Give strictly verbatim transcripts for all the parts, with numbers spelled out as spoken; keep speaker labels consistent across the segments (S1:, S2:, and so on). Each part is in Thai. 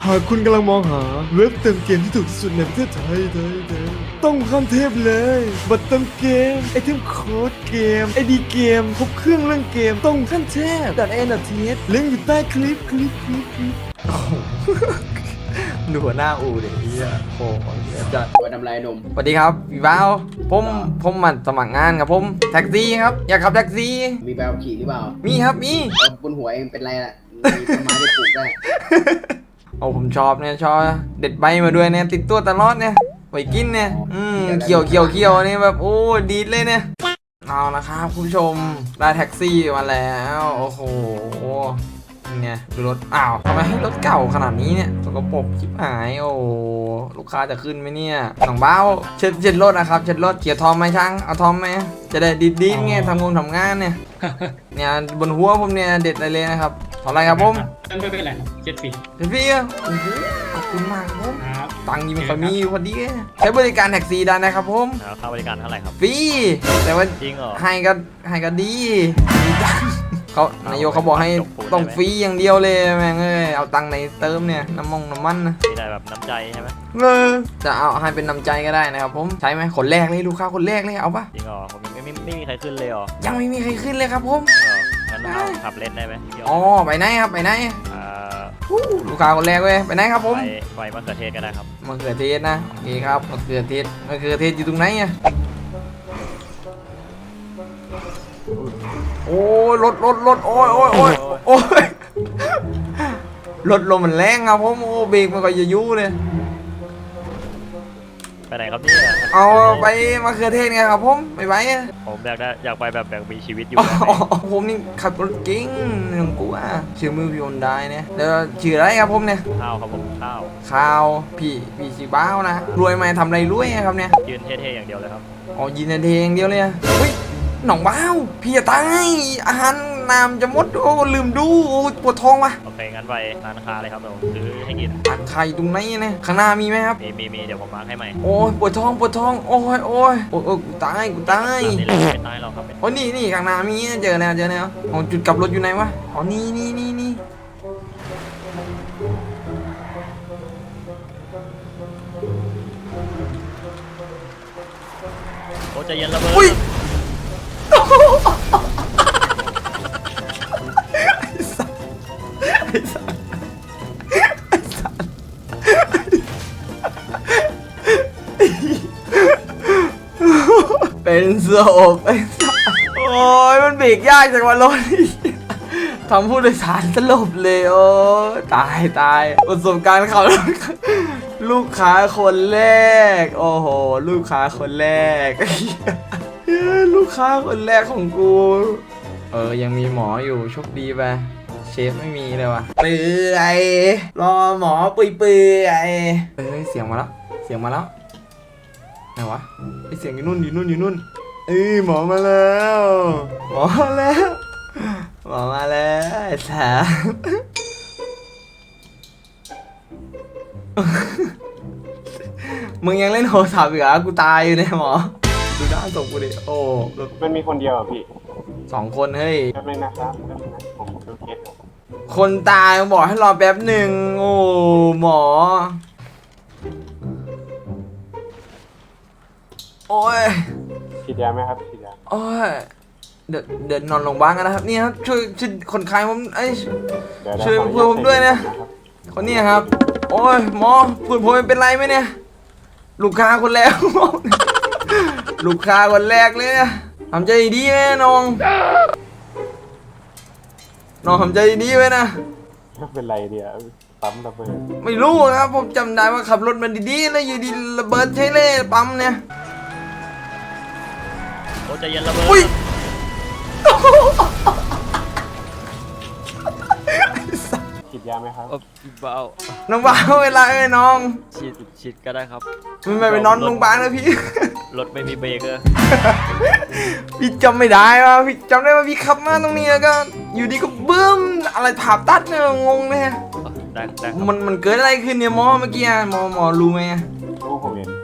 S1: หากคุณกำลังมองหาเว็บเติมเกมที่ถูกที่สุดในประเทศไทยไทยไทยต้องขั้นเทพเลยบัตรเติมเกมไอเทมโค้ดเกมไอดีเกมครบเครื่องเรื่องเกมต้องขั้นเทพดัดเอ็นดัดเทสลิงก์อยู่ใต้คลิปคลิปคลิปคลิป
S2: ดูหัวหน้าอูเดี๋ยวนี้อ่ะโอ้โหจัด
S3: วันทำไรหนุ่ม
S2: สวัสดีครับพี่บ้าวผมผมมาสมัครงานครับผมแท็กซี่ครับอยากขับแท็กซี่
S3: มีใบขับขี่หรือเปล่า
S2: มีครับมี
S3: เอาบนหัวเองเป็นไรล่ะมีต้นไม้ได้ปลูกได้
S2: โอ้ผมชอบเนี่ยชอบเด็ดใบมาด้วยเนี่ยติดตัวตลอดเนี่ยไว้กินเนี่ยอืมเขียวเขียวเขียวนี่แบบโอ้ดีดเลยเนี่ยเอาละครับคุณผู้ชมได้แท็กซี่มาแล้วโอ้โหเนี่ยดูรถอ้าวทำไมให้รถเก่าขนาดนี้เนี่ยสกปรกชิบหายโอ้ลูกค้าจะขึ้นไหมเนี่ยหนังเบ้าเช็ดเช็ดรถนะครับเช็ดรถเกียร์ทอมไหมช่างเอาทอมไหมจะได้ดีดีไงทำงานทำงานเนี่ย เนี่ยบนหัวผมเนี่ยเด็ดอะไรเลยนะครับเท่าไรครับผม
S4: ไม่เป็นไรครับเจ็ดปี
S2: เดี๋ยวพี่อ่ะโอ้โหขอบคุณมากครับผม
S4: ครับ
S2: ตังค์ยังไม่ค่อยมีอยู่พอดีใช้บริการแท็กซี่ได้นะครับผม
S5: แล้วค่าบริการเท่าไหร่ครับ
S2: ฟรีแต่ว่า
S5: จริงเหรอ
S2: ให้ก็ให้ก็ดีดีจังเขานายกเขาบอกให้ต้องฟรีอย่างเดียวเลยแม่งเอ้ยเอาตังค์ในเติมเนี่ยน้ำมงน้ำมันนะ
S5: มีได้แบบน้ำใจใช่ไหม
S2: เออจะเอาให้เป็นน้ำใจก็ได้นะครับผมใช้ไหมคนแรกเลยลูกค้าคนแรกเลยเอาปะ
S5: จริงเหรอผมไม่ไม่ไม่มีใครขึ้นเลยเหรอ
S2: ยังไม่มีใครขึ้นเลยครับผม
S5: จริงเหรองั้นเราขับเล่นได้ไหมเดี๋ยว
S2: อ๋อไปไหนครับไปไหน
S5: อ่า
S2: ลูกค้าคนแรกเว้ยไปไหนครับผม
S5: ไปไปมะเขือเทศก็ได้ครับ
S2: มะเขือเทศนะโอเคครับมะเขือเทศมะเขือเทศอยู่ตรงไหนอะโอ้ยรถรถรถโอ้ยโอ้ยโอ้ยโอ้ยรถลมมันแรงครับผมโอ้เบรกมันก็จะยู่เลย
S5: ไปไหนครับเนี่ย
S2: เอาไปมะเขือเทศไงครับผมไปไปอะ
S5: ผมอยากได้อยากไปแบบแบบมีชีวิตอยู่
S2: อ๋อ
S5: แบบไหน
S2: ผมนี่ขับรถเก่งหนึ่งกูอ่ะชื่อมือพี่อนได้เนี่ยแล้วชื่ออะไรครับผมเนี่ย
S5: ข้าวครับผมข้าว
S2: ข่าวพี่พี่ชีบ้าวนะรวยไหมทำอะไรรวยอะครับเนี่ย
S5: ยืนเท่ๆอย่างเดียวเลยครับ
S2: อ๋อยินดีอย่างเดียวเลยอะเฮ้ยหนองบ้าวพี่จะตายอาหารน้ำจะหมดโอ้ลืมดูโอ้ปวดท้องว่ะ
S5: โอเคงั้นไปร้านค้าเลยครับเดี๋ยวผมซื้อให้กิน
S2: ตักไข่ตรงไหนเนี่ยข้างหน้ามีไหมครับ
S5: มีมีมีเดี๋ยวผมมาร์คให้ใหม่
S2: โอ้ยปวดท้องปวดท้องโอ้ยโอ้ยโอ้ยโอ้ยกูตายกูตาย
S5: นี่แหละไม่ตายหรอกครับ
S2: โอ้ยนี่นี่ข้างหน้ามีเจอแล้วเจอแล้วอ๋อจุดกลับรถอยู่ไหนวะอ๋อนี่นี่นี่นี่
S5: โอ้ใจเย็นระเบิด
S2: อุ้ยเป็นศพไอ้สัสโอ้ยมันเบรกยากจังวะรถนี่ทำผู้โดยสารสลบเลยโอ้ตายตายประสบการณ์ขับรถลูกค้าคนแรกโอ้โหลูกค้าคนแรก ลูกค้าคนแรกของกูเออยังมีหมออยู่โชคดีไปเชฟไม่มีเลยว่ะเปื่อยรอหมอเปื่อยเปื่อยเอ้ยเสียงมาแล้วเสียงมาแล้วไหนวะไอเสียงอยู่นู่นอยู่นู่นอยู่นู่นเอ้ยหมอมาแล้วหมอมาแล้วหมอมาแล้วไอ้สา มึงยังเล่นโทรศัพท์อีกเหรอกูตายอยู่เนี่ยหมอดูหน้าศพกูดิโอ้รถ
S6: มันมีคนเดียวอ่ะพี่
S2: สองคนเฮ้ย
S6: แป๊บนึงนะครับแป๊บนึงนะผมดูเคสก่อน
S2: คนตายบอกให้รอแป๊บหนึ่งโอ้หมอโอ้ย
S6: ฉีดยาไหมครับฉีดยา
S2: โอ้ยเดี๋ยวเดี๋ยวนอนโรงพยาบาลกันนะครับนี่ครับช่วยช่วยคนไข้ผมไอ้ย
S6: เดี๋ยว
S2: ช่วย
S6: ขออ
S2: เพื่อนผมด้วยนะ
S6: ใส่ครับ
S2: คนนี้ครับ โอ้ยหมอเพื่อนผมเป็นไรไหมเนี่ยลูกค้าคนแรก ลูกค้าคนแรกเลยนะทำใจดีไหมน้องน้องทำใจดีไว้นะ
S6: ไม่เป็นไรเดียวปั๊มระเบิด
S2: ไม่รู้ครับผมจำได้ว่าขับรถมาดีๆแล้วอยู่ดีระเบิดใช้เล่ปั๊มเนี่ย
S5: โอ้ใจเย็นระเบิด
S2: อุ้ย
S6: ฉีดยาไหมครับ
S5: เออเบา
S2: น้องบ้าเวลาเอ้ยน้อง
S5: ฉีดฉีดก็ได้ครับ
S2: ไม่ไม่ไปนอนโรงพยาบาลนะพี่
S5: รถไม่มีเบรกเลย
S2: พี่จำไม่ได้ว่าพี่จำได้ว่าพี่ขับมาตรงนี้แล้วก็อยู่ดีก็บึ้มอะไรผ่าตัดเนี่ยงงเลย
S5: ได้ได้ครับ
S2: มันมันเกิดอะไรขึ้นเนี่ยหมอเมื่อกี้อะหมอหมอรู้ไหมอะ
S6: รู้ผมเห็นเว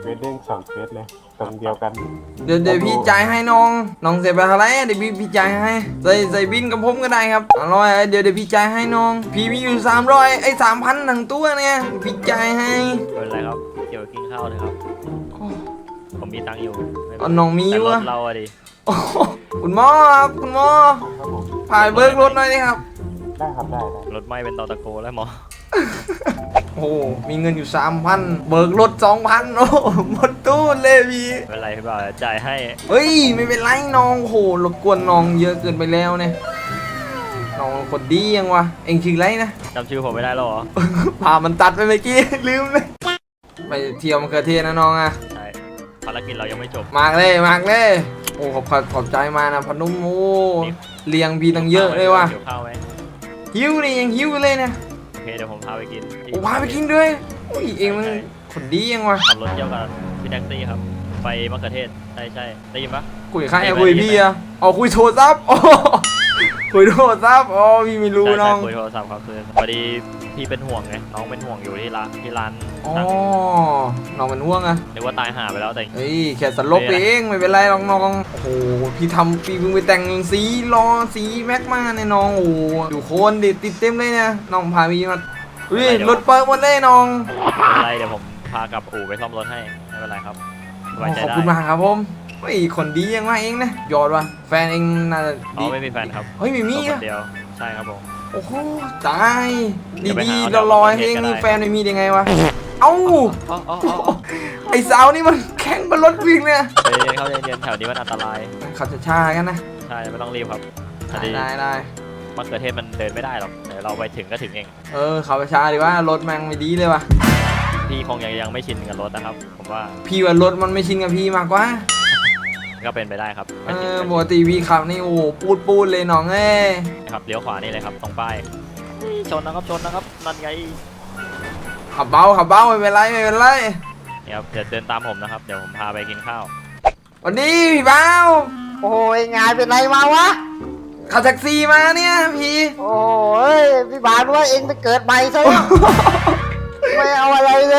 S6: สเด้งสองเฟสเลยตรงเดียวกัน
S2: เดี๋ยวเดี๋ยวพี่จ่ายให้น้อง น้องเสียไปเท่าไหร่เดี๋ยวพี่พี่จ่ายให้ ใส่ใส่บินกับผมก็ได้ครับอร่อยเดี๋ยวเดี๋ยวพี่จ่ายให้น้อง พี่มีอยู่สามร้อยไอ้สามพันทั้งตัวเนี่ยพี่จ่ายให้
S5: ไม่เป็นไรครับเกี่ยวกับกินข้าวเลยครับ ผมมีตังค์อยู่ไม่เป็
S2: เอา
S5: ไร
S2: น้องมี
S5: แต่ร
S2: วะ
S5: ถเราอะดิ
S2: โอ้โหคุณหมอครับคุณหมอ
S6: ครับผม
S2: ผ่านเบิกรถหน่อยดิครับ
S6: ได้ครับได้ได้
S5: รถไหม้เป็นตอตะโกแล้วหมอ
S2: โอ้โหมีเงินอยู่สามพันเบิกรถสองพันโอ้โหหมดตู้เลยพี่
S5: ไม่เป็นไรพี่บ่าวจ่ายให้
S2: เฮ้ยไม่เป็นไรน้องโอ้โหรบกวนน้องเยอะเกินไปแล้วเนี่ยน้องคนดียังวะเอ็งชื่ออะไรนะ
S5: จำชื่อผมไม่ได้แล้วเหรอ
S2: พามันตัดไปเมื่อกี้ ลืมเลยไปเที่ยวมะเขือเทศนะน้องอะ
S5: ใช่ภารกิจเรายังไม่จบ
S2: มากเลยมากเลยโอ้ขอบขอบใจมานะพนุ่มโอ้เลี้ยงพี่ตั้งเยอะเลยว่ะ
S5: เดี๋ยวข้าวไหม
S2: หิวนี่ยังหิวเลยเนี่ย
S5: โอเคเดี๋ยวผมพาไปกินที่
S2: โอ้พาไปกินด้วยอุ้ยเองมันคนดียังวะ
S5: ขับรถเที่ยวกับพี่แท็กซี่ครับ ไปมะเขือเทศใช่ใช่ได้ยินปะ
S2: คุยใครอะคุยพี่อะอ๋อคุยโทรศัพท์อ๋อคุยโทรศัพท์อ๋อพี่ไม่รู้
S5: ใช่
S2: น้
S5: ใช่
S2: อง
S5: คุยโทรศัพท์ครับคือพอดีพี่เป็นห่วงไงน้องเป็นห่วงอยู่ที่ร้านที่ร้าน
S2: อ๋อ
S5: นั่ง
S2: น้องมันห่วงอะ
S5: นึกว่าตายห่าไปแล้วแต่
S2: เฮ้ยแค่สลบเองไม่เป็นไรหรอกน้องโอ้โหพี่ทำพี่เพิ่งไปแต่งสีล้อสีแม็กมาเนี่ยน้องโอ้โหดูโคนดิติดเต็มเลยเนี่ยน้องพาพี่มาอุ้ยรถเปิดหมดเลยน้อง
S5: ไม่เป็นไรเดี๋ยวผมพากลับอู่ไปซ่อมรถให้ไม่เป็นไรครับสบายใจ
S2: ขอบ
S5: ได้
S2: คุณมากครับผมเฮ้ยคนดียังมาเองนะยอดว่ะแฟนเองน่าจะ
S5: อ๋อ
S2: ดี
S5: ไม่มีแฟนครับ
S2: เฮ้ยไม่มี
S5: ค
S2: อะ
S5: นเดียวใช่ครับผม
S2: โอ้โหตาย
S5: เดี๋ยวไป
S2: ดี
S5: หา
S2: ๆ
S5: เอา
S2: เราลอย
S5: เดี๋
S2: เอ
S5: ยว
S2: ง
S5: เอา
S2: นี่
S5: เดี๋ยว
S2: แฟนไม่มีได้ไงวะเอ้า
S5: อ๋ออ๋ออ๋ออ๋อ
S2: ไอสาวนี่มันแข่งบนรถวิ่งเนี่ย
S5: ใจเย็นๆเข้าใจเย็นๆแถวนี้มันอันตราย
S2: ขับช้าๆกันนะ
S5: ใช่ไม่ต้องรีบครับอัน
S2: ได้
S5: นี้
S2: ได้ได้
S5: มะเขือเทศมันเดินไม่ได้หรอกเดี๋ยวเราไปถึงก็ถึงเอง
S2: เออขับช้าๆดีว่ารถแม่งไม่ดีเลยว่ะ
S5: พี่คงยังยังไม่ชินกับรถนะครับ ผมว่า
S2: พี่ว่ารถมันไม่ชินกับพี่มากกว่า
S5: ก็เป็นไปได้ครับ
S2: เออปกติพี่ขับนี่โอ้โหปูดปูดเลยน้องเอ้ย
S5: ครับเลี้ยวขวานี่เลยครับตรงป้ายชนนะครับชนนะครับนั่นไง
S2: ขับเบาขับเบาไม่เป็นไรไม่เป็นไร
S5: นี่ครับเดี๋ยวเดินตามผมนะครับเดี๋ยวผมพาไปกินข้าว
S2: วันนี้พี่เบา
S4: โอ้ยงานเป็นไรมาวะ
S2: ขับแท็กซี่มาเนี่ยพี่
S4: โอ้ยพี่บาทว่าเองไปเกิดใหม่ซะแล้วไม่เอาอะไรเลย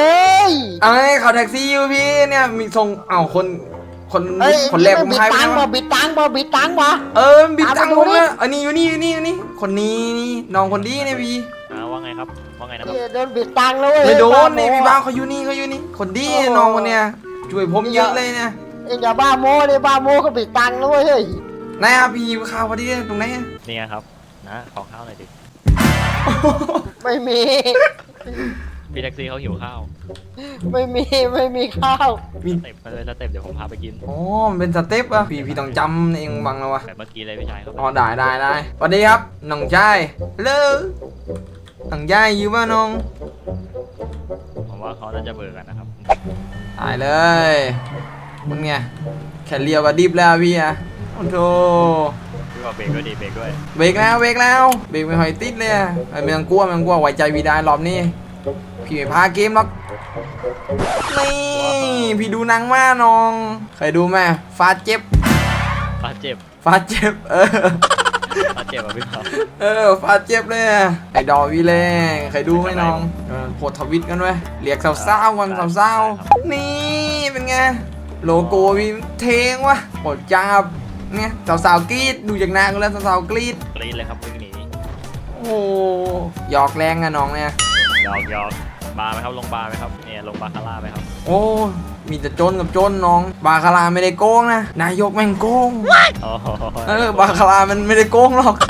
S2: เอ้ยขับแท็กซี่อยู่พี่เนี่ยมีส่งเอ้าคนคน
S4: เฮ้ย
S2: คนแรกผม
S4: บิด
S2: ทายไป
S4: ตังค์
S2: แล้ว
S4: มาบิดตังค์มาบิดตังค์มา
S2: เออบิดตังค์
S4: เอา
S2: ผ
S4: ไป
S2: ม
S4: ดูดิ
S2: เนี่ยอันนี้อยู่นี่อยู่นี่อยู่นี่คนนี้นี่น้องคนดีเนี่ยพี่
S5: อ่าว่าไงครับว่าไงนะครับ
S4: เฮ้ยโดนบิดตังค์แล้วเว้ย
S2: ไม่โดน
S4: บ้า
S2: นี่
S4: โม้
S2: พี่บ้าเขาอยู่นี่เขาอยู่นี่คนดีน้องคนเนี้ยช่วยผมเยอะเลยเนี่ย
S4: เองอย่าบ้าโม้เลยบ้าโม้ก็บิดตังค์แล้วเว้ยเฮ้ย
S2: ไหนอะพี่หิวข้าวพอดีเลยตรงไหนอะ
S5: นี่ไงครับนะขอข้าวหน่อยดิ
S4: ไม่มี
S5: พี่แท็กซี่เขาหิวข้าว
S4: ไม่มีไม่มีข้าว
S2: มี
S5: สเต็ปมาเลยสเต็ปเดี๋ยวผมพาไปกิน
S2: อ๋อมันเป็นสเต็ปอะพี่พี่ต้องจำเองบังแล้ววะ
S5: แบบเมื่อกี้เลยพี่ชายครับ
S2: อ๋อได้ได้ได้สวัสดีครับน้องชายเลิกน้องชายอยู่บ้านน้อง
S5: ผมว่าเขาน่าจะเบื่อกันนะครับ
S2: ตายเลยมึงไงแค่เลี้ยวก็ดิบแล้วพี่อะโอ้โธ
S5: พี่ว่าเบรกด้วยดิเบรกด้วย
S2: เบรกแล้วเบรกแล้วเบรกไม่ค่อยติดเลยอะไอ้ไม่ต้องกลัวไม่ต้องกลัวไว้ใจพี่ได้รอบนี้พี่ไม่พาเกมหรอกนี่พี่ดูหนังมาน้องเคยดูไหมฟาดเจ็บ
S5: ฟาดเจ็บ
S2: ฟาดเจ็บเออ
S5: ฟาดเจ็บอ่ะพี่ครับ
S2: เออฟาดเจ็บเลยอะไอ้ดอวีเล่เคยดูไหมน้องเออโพสต์ทวิตกันไว้ยเรียกสาวๆวันสาวๆนี่เป็นไงโลโก้พี่เทงวะโอดจับเนี่ยสาวๆกรีดดูจากหน้าก็แล้วสาวๆกรีด
S5: กรี๊ดเลยครับวิ่งหนี
S2: โอ้โหหยอกแรงอะน้องเนี่ย
S5: ยอกยอกบาร์ไหมครับลงบาร์ไหมครับเนี่ยลงบาร์คาร่าไหมครับ
S2: โอ้มีแต่จนกับจนน้อง บาคาราไม่ได้โกงนะนายกแม่งโกง
S5: โอ้โห
S2: เออบาคารามันไม่ได้โกงหรอก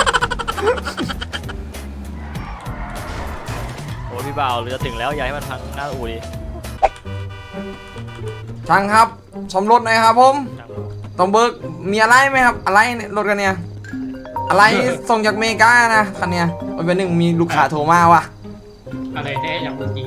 S5: โอ้พี่บ่าวเรือถึงแล้วอย่าให้มันพังหน้าอู่ดิ
S2: ช่างครับสมรถหน่อยครับผม
S5: ช่าง
S2: ต้องเบิกมีอะไรไหมครับ อะไรเนี่ยรถกันเนี่ย อะไรส่งจากอเมริกานะคันเนี้ยวันเป็นหนึ่งมีลูกค้าโทรมาว่ะ
S7: อะไรแน่อย่างเมื่อกี้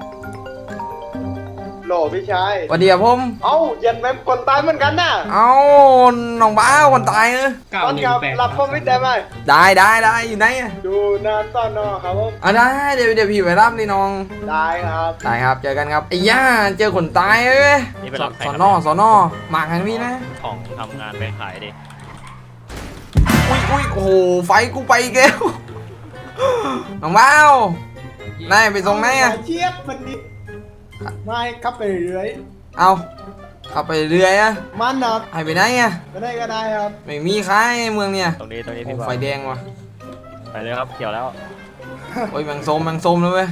S1: โหลพี่ชาย
S2: สวัสดีครับผม
S1: เอ้าเย็นแม่งคนตายเหมือนกันน่ะ
S2: เอ้าน้องบ้าวคนตายเนอะ
S7: เก้า
S1: ตอน
S7: หนึ่ง
S1: กับ
S7: แปด
S1: รับผมไม่ได้ไหม
S2: ได้ได้ได้อยู่ไหนอะ
S1: ดูหนาซ่อนนอครับผม
S2: อ่ะได้เดี๋ยวเดี๋ยวพี่ไปรับนี่น้อง
S1: ได้ครับ
S2: ได้ครับเจอกันครับไอ้ย่าเจอคนตายเว้ย
S5: นี่เป็น
S2: ส
S5: รับใคร
S2: ส
S5: ค
S2: อ
S5: รับ
S2: นอสอนอมาทางนี้นะ
S5: ของทำงานไปขายดิ
S2: อุ้ยอุ้ยโอ้โหไฟกูไปอีกแล้วน้องบ้าวนายไปส่งไหนอะ
S1: เชียบมันนี่ไม่ครับไปเรื่อย
S2: เอาขับไปเรื่อยอะ
S1: มันนะ
S2: หายไปไหนอะ
S1: ก็ได้ก็ได้ครับ
S2: ไม่มีใครเมืองเนี่ย
S5: ตรงนี้ตรงนี้
S2: โอ้
S5: พี่บอล
S2: ไฟแดงว่ะ
S5: ไปเลยครับเขียวแล้ว
S2: โอ้ยแมงส้มแมงส้มเลยเว้ย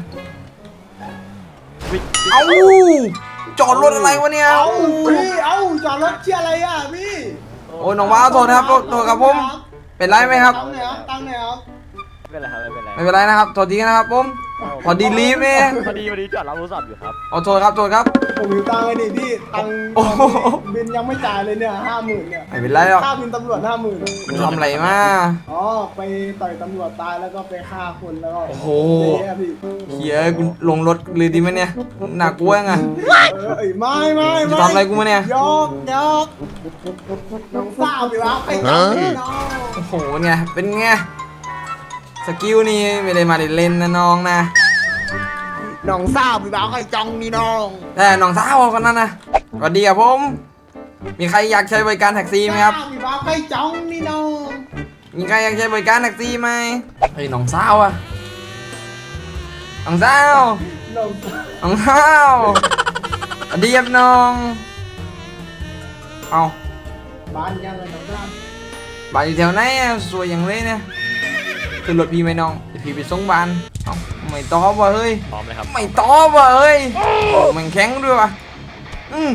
S2: เอ้าจอดรถอะไรวะเนี่ย
S1: เอ้าพี่เอ้าจอดรถเชี่ยอะไรอ่ะพี่
S2: โอ้ยน้องว้าวโทษนะครับโทษโทษครับผมเป็นไรไหมครับ
S1: ตั้งไหนครับตั้งไหนครับ
S5: ไม่เป็นไรครับไม่เป็นไร
S2: ไม่เป็นไรนะครับโทษทีนะครับผมพอดีรีบเนี่ย
S5: พอดีพอดีจอดรับโทรศัพท์อยู่ครับ
S2: เอาโทษครับโทษครับ
S1: ผมอยู่ตังค์ไอ้นี่พี่ตังค์
S2: โอ้โห
S1: บินยังไม่จ่ายเลยเนี่ยห้าหมื่นเนี่ย
S2: ไม่เป็นไรหรอก
S1: ค่าบินตำรวจห้าหมื่น
S2: คุณทำอะไรมา
S1: อ๋อไปต่อยตำรวจตายแล้วก็ไปฆ่าคนแล้วก็
S2: โอ้โห
S1: เละพี่
S2: เฮียกูลงรถเลยดีไหมเนี่ยหนักกลัวไง
S1: เออเอ้ยไม่ไม่
S2: จะ
S1: ไม่
S2: ทำอะไรกูมาเนี่ย
S1: ยอกยอกน้องสาวพี่วะไปจับพี่น้อง
S2: โอ้โหเป็นไงเป็นไงสกิลนี่ไม่ได้มาเล่นๆนะน้องนะ
S1: น้องสาวพี่วะใครจังนี่น้อง
S2: แต่น้องสาวคนนั้นนะสวัสดีครับผม มีใครอยากใช้บริการแท็กซี่ไหมครับ
S1: สาวพี่วะใครจังนี่น้อง
S2: มีใครอยากใช้บริการแท็กซี่ไหมเฮ้ยน้องสาวอะน้องสาว
S1: น้อง
S2: น้องสาวสวัสดีครับน้องเอา
S1: บ้านยังไงน้องสาว
S2: บ้านอยู่แถวไหนอะสวยอย่างเลยเนี่ยขึ้นรถพี่ไหมน้องเดี๋ยวพี่ไปส่งบ้านเอ้าไม่ตอบว่ะเฮ้ย
S5: พร้อมเลยครับ
S2: ไม่ตอบว่ะเฮ้ยโอ้มันแข็งด้วยว่ะอืม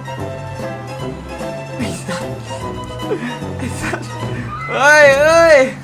S2: ไอ้สัสไอ้สัสเฮ้ยเฮ้ย